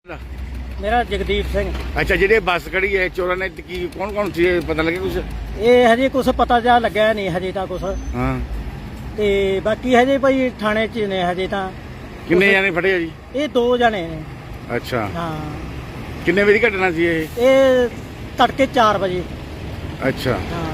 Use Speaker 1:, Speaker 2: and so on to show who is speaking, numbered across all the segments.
Speaker 1: मेरा जगदीप सिंह।
Speaker 2: अच्छा जी बस खड़ी है चोरा ने की कौन सी पता लगे कुछ?
Speaker 1: ये हजे कुछ पता जा लग्या नहीं हजे तो कुछ।
Speaker 2: हाँ
Speaker 1: ते बाकी हजे भाई थाने च ने हजे तो।
Speaker 2: किन्ने जाने फड़े जी?
Speaker 1: ये 2 जने ने।
Speaker 2: अच्छा
Speaker 1: हाँ
Speaker 2: किन्ने बजे घटना सी
Speaker 1: ये तड़के 4 बजे।
Speaker 2: अच्छा
Speaker 1: हाँ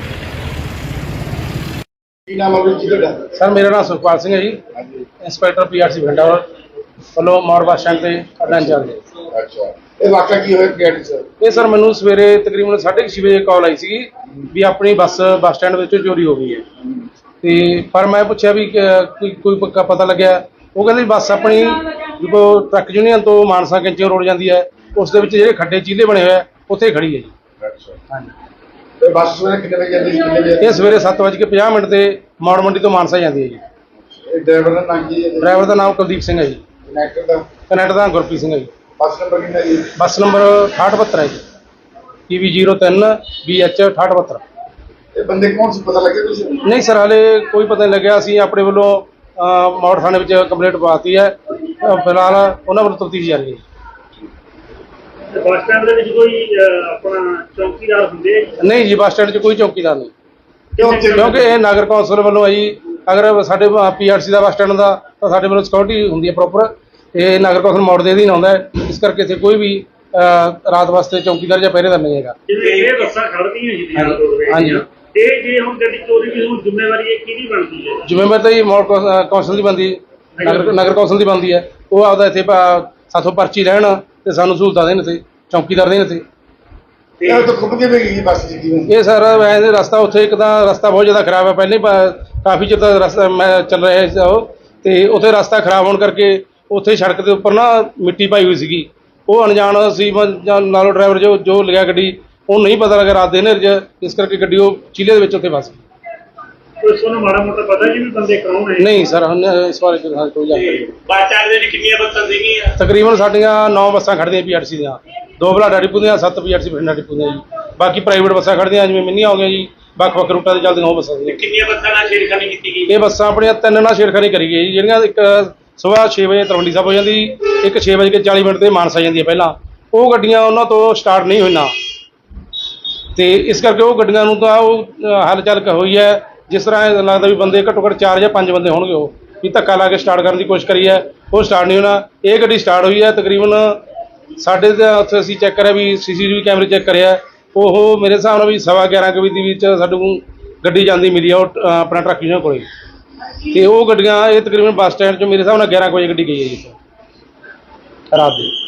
Speaker 3: सर मेरा नाम सुखपाल सिंह है जी, इंस्पैक्टर पीआरसी बठिंडा ਵੱਲੋਂ ਮੌੜ ਬੱਸ ਸਟੈਂਡ ਤੇ ਅੱਡਾ ਇੰਚਾਰਜ।
Speaker 2: अच्छा ਇਹ ਵਾਕਿਆ ਕੀ ਹੋਇਆ ਪੀਆਰਟੀ ਸਰ?
Speaker 3: ਇਹ ਸਰ ਮੈਨੂੰ ਸਵੇਰੇ ਤਕਰੀਬਨ 6:30 ਵਜੇ ਕਾਲ ਆਈ ਸੀਗੀ ਵੀ ਆਪਣੀ ਬੱਸ ਸਟੈਂਡ ਵਿੱਚ ਚੋਰੀ ਹੋ ਗਈ ਹੈ ਤੇ ਪਰ ਮੈਂ ਪੁੱਛਿਆ ਵੀ ਕੋਈ ਪੱਕਾ ਪਤਾ ਲੱਗਿਆ। ਉਹ ਕਹਿੰਦੇ ਬੱਸ ਆਪਣੀ ਜਦੋਂ ਟਰੱਕ ਯੂਨੀਅਨ ਤੋਂ ਮਾਨਸਾ ਕੈਂਚੀਆਂ ਰੋਡ ਜਾਂਦੀ ਹੈ ਉਸ ਦੇ ਵਿੱਚ ਜਿਹੜੇ ਖੱਡੇ ਚੀਲੇ ਬਣੇ ਹੋਏ ਆ ਉੱਥੇ ਖੜੀ ਹੈ ਜੀ।
Speaker 2: अच्छा
Speaker 3: ਹਾਂਜੀ
Speaker 2: ਤੇ ਬੱਸ ਸਵੇਰੇ ਕਿੰਨੇ ਵਜੇ ਜਾਂਦੀ ਕਿੰਨੇ ਵਜੇ?
Speaker 3: ਇਹ ਸਵੇਰੇ 7:50 ਤੇ ਮੌੜ ਮੰਡੀ ਤੋਂ ਮਾਨਸਾ ਜਾਂਦੀ ਹੈ ਜੀ।
Speaker 2: ਡਰਾਈਵਰ ਦਾ ਨਾਮ ਕੀ ਹੈ?
Speaker 3: ਡਰਾਈਵਰ ਦਾ ਨਾਮ ਕੁਲਦੀਪ ਸਿੰਘ ਹੈ ਜੀ।
Speaker 2: ਕਨੈਕਟਰ ਦਾ?
Speaker 3: ਕਨੈਕਟਰ ਦਾ ਗੁਰਪ੍ਰੀਤ ਸਿੰਘ ਹੈ ਜੀ।
Speaker 2: ਬੱਸ ਨੰਬਰ ਕਿੰਨਾ ਜੀ?
Speaker 3: ਬੱਸ ਨੰਬਰ 6872 ਹੈ ਜੀ, PB03 BH 6872।
Speaker 2: ਇਹ ਬੰਦੇ ਕੌਣ ਸੀ ਪਤਾ ਲੱਗਿਆ ਕੁਝ?
Speaker 3: ਨਹੀਂ ਸਰ ਹਾਲੇ ਕੋਈ ਪਤਾ ਨਹੀਂ ਲੱਗਿਆ। ਅਸੀਂ ਆਪਣੇ ਵੱਲੋਂ ਮੌੜ ਥਾਣੇ ਵਿੱਚ ਕੰਪਲੇਂਟ ਪਾਤੀ ਹੈ, ਫਿਲਹਾਲ ਉਹਨਾਂ ਵੱਲੋਂ ਤਫਤੀਸ਼ ਜਾਰੀ ਹੈ।
Speaker 4: ਬੱਸ ਸਟੈਂਡ ਦੇ ਵਿੱਚ ਕੋਈ ਆਪਣਾ ਚੌਕੀਦਾਰ ਹੁੰਦੇ?
Speaker 3: ਨਹੀਂ ਜੀ ਬੱਸ ਸਟੈਂਡ 'ਚ ਕੋਈ ਚੌਕੀਦਾਰ ਨਹੀਂ,
Speaker 2: ਕਿਉਂ?
Speaker 3: ਕਿਉਂਕਿ ਇਹ ਨਗਰ ਕੌਂਸਲ ਵੱਲੋਂ ਹੈ ਜੀ। ਅਗਰ ਸਾਡੇ PRC ਦਾ ਬੱਸ ਸਟੈਂਡ ਦਾ ਤਾਂ ਸਾਡੇ ਵੱਲੋਂ ਸਿਕਿਉਰਿਟੀ ਹੁੰਦੀ ਹੈ ਪ੍ਰੋਪਰ। ਇਹ ਨਗਰ ਕੌਂਸਲ ਮੌੜ ਦੇ ਅਧੀਨ ਆਉਂਦਾ ਹੈ, ਇਸ ਕਰਕੇ ਇੱਥੇ ਕੋਈ ਵੀ ਰਾਤ ਵਾਸਤੇ ਚੌਕੀਦਾਰ ਜਾਂ ਪਹਿਰੇਦਾਰ ਨਹੀਂ ਹੈਗਾ।
Speaker 4: ਜਿਵੇਂ ਇਹ ਬੱਸਾਂ ਖੜਦੀਆਂ ਜੀ ਦੀਆਂ ਰੋਡਵੇਜ਼
Speaker 3: ਹਾਂਜੀ।
Speaker 4: ਦੀਆਂ, ਇਹ ਜੇ ਹੁਣ ਗੱਡੀ ਚੋਰੀ ਦੀ ਹੁਣ ਜ਼ਿੰਮੇਵਾਰੀ ਇਹ ਕਿਹਦੀ ਬਣਦੀ ਹੈ?
Speaker 3: ਜ਼ਿੰਮੇਵਾਰੀ ਤਾਂ ਜੀ ਮੌੜ ਕੌਂਸਲ ਦੀ ਬਣਦੀ, ਨਗਰ ਕੌਂਸਲ ਦੀ ਬਣਦੀ ਹੈ। ਉਹ ਆਪਦਾ ਇੱਥੇ ਸਾਥੋਂ ਪਰਚੀ ਲੈਣ ਤੇ ਸਾਨੂੰ ਸਹੂਲਤਾਂ ਦੇਣ ਤੇ ਚੌਕੀਦਾਰ ਦੇਣ ਤੇ।
Speaker 2: ਇਹ ਤਾਂ ਖੁੱਬ ਕੇ ਗਈ ਬੱਸ ਜੀ ਕਿਵੇਂ?
Speaker 3: ਇਹ ਸਰ ਵੈਸੇ ਰਸਤਾ ਉੱਥੇ ਇੱਕ ਤਾਂ ਰਸਤਾ ਬਹੁਤ ਜ਼ਿਆਦਾ ਖਰਾਬ ਹੈ, ਪਹਿਲੇ ਕਾਫੀ ਚਿਰ ਤੱਕ ਰਸਤਾ ਮੈਂ ਚੱਲ ਰਿਹਾ ਸੀ ਉਹ, ਤੇ ਉੱਥੇ ਰਸਤਾ ਖਰਾਬ ਹੋਣ ਕਰਕੇ ਉੱਥੇ ਸੜਕ ਦੇ ਉੱਪਰ ਨਾ ਮਿੱਟੀ ਪਾਈ ਹੋਈ ਸੀਗੀ। ਉਹ ਅਣਜਾਣ ਸੀ ਨਾਲੋਂ ਡਰਾਈਵਰ ਜੋ ਲਿਆ ਗੱਡੀ ਉਹ ਨਹੀਂ ਪਤਾ ਲੱਗਾ ਰਾਤ ਦੇ ਹਨੇਰੇ 'ਚ, ਇਸ ਕਰਕੇ ਗੱਡੀ ਉਹ ਚੀਲੇ ਦੇ ਵਿੱਚ ਉੱਥੇ ਫਸ ਗਈ।
Speaker 4: ਕੋਈ ਤੁਹਾਨੂੰ ਮਾੜਾ ਮੋਟਾ ਪਤਾ ਜੀ ਵੀ ਬੰਦੇ ਕੌਣ ਹੈ?
Speaker 3: ਨਹੀਂ ਸਰ ਹੁਣ ਇਸ ਬਾਰੇ ਕੋਈ ਜਾਣਕਾਰੀ ਨਹੀਂ।
Speaker 4: ਬੱਸ ਸਟੈਂਡ ਦੇ ਵਿੱਚ ਕਿੰਨੀਆਂ ਬੱਸਾਂ ਸੀਗੀਆਂ?
Speaker 3: ਤਕਰੀਬਨ ਸਾਡੀਆਂ 9 ਬੱਸਾਂ ਖੜ੍ਹਦੀਆਂ PRC ਦੀਆਂ, 2 ਬਲਾਡਾ ਡਿਪੂ ਦੀਆਂ, 7 PRC ਬਠਿੰਡਾ ਡਿਪੂ ਦੀਆਂ ਜੀ। ਬਾਕੀ ਪ੍ਰਾਈਵੇਟ ਬੱਸਾਂ ਖੜ੍ਹਦੀਆਂ ਜਿਵੇਂ ਮਿੰਨੀਆਂ ਹੋ ਗਈਆਂ ਜੀ, ਵੱਖ-ਵੱਖ ਰੂਟਾਂ ਤੇ ਚੱਲਦੀਆਂ ਉਹ ਬੱਸਾਂ ਸੀਗੀਆਂ।
Speaker 4: ਕਿੰਨੀਆਂ ਬੱਸਾਂ ਨਾਲ ਛੇੜਖਾਨੀ ਕੀਤੀ ਗਈ?
Speaker 3: ਇਹ ਬੱਸਾਂ ਆਪਣੀਆਂ 3 ਨਾਲ ਛੇੜਖਾਨੀ ਕਰੀ ਗਈ ਜੀ, ਜਿਹੜੀਆਂ ਇੱਕ ਸਵੇਰ 6 ਵਜੇ ਤਲਵੰਡੀ ਸਾਹਿਬ ਹੋ ਜਾਂਦੀ, ਇੱਕ 6:40 ਤੇ ਮਾਨਸਾ ਜਾਂਦੀ ਹੈ ਪਹਿਲਾਂ। ਉਹ ਗੱਡੀਆਂ ਉਹਨਾਂ ਤੋਂ ਸਟਾਰਟ ਨਹੀਂ ਹੋਈਆਂ ਤੇ ਇਸ ਕਰਕੇ ਉਹ ਗੱਡੀਆਂ ਨੂੰ ਤਾਂ ਉਹ ਹਲਚਲ ਹੋਈ ਹੈ। ਜਿਸ ਤਰ੍ਹਾਂ ਇਹ ਲੱਗਦਾ ਵੀ ਬੰਦੇ ਘੱਟੋ ਘੱਟ 4 ਜਾਂ 5 ਬੰਦੇ ਹੋਣਗੇ, ਉਹ ਵੀ ਧੱਕਾ ਲਾ ਕੇ ਸਟਾਰਟ ਕਰਨ ਦੀ ਕੋਸ਼ਿਸ਼ ਕਰੀ ਹੈ, ਉਹ ਸਟਾਰਟ ਨਹੀਂ ਹੋਣਾ। ਇਹ ਗੱਡੀ ਸਟਾਰਟ ਹੋਈ ਹੈ ਤਕਰੀਬਨ ਸਾਡੇ ਉੱਥੇ ਅਸੀਂ ਚੈੱਕ ਕਰਿਆ ਵੀ CCTV ਕੈਮਰੇ ਚੈੱਕ ਕਰਿਆ, ਉਹ ਮੇਰੇ ਹਿਸਾਬ ਨਾਲ ਵੀ 11:15 ਵਜੇ ਦੇ ਵਿੱਚ ਸਾਨੂੰ ਗੱਡੀ ਜਾਂਦੀ ਮਿਲੀ ਆ ਉਹ ਆਪਣਾ ਟਰੱਕ ਯੂਨੀਅਨ ਕੋਲੇ। ਤੇ ਉਹ ਗੱਡੀਆਂ ਇਹ ਤਕਰੀਬਨ ਬੱਸ ਸਟੈਂਡ 'ਚ ਮੇਰੇ ਹਿਸਾਬ ਨਾਲ 11 ਵਜੇ ਗੱਡੀ ਗਈ ਹੈ ਜੀ ਰਾਤ ਦੀ।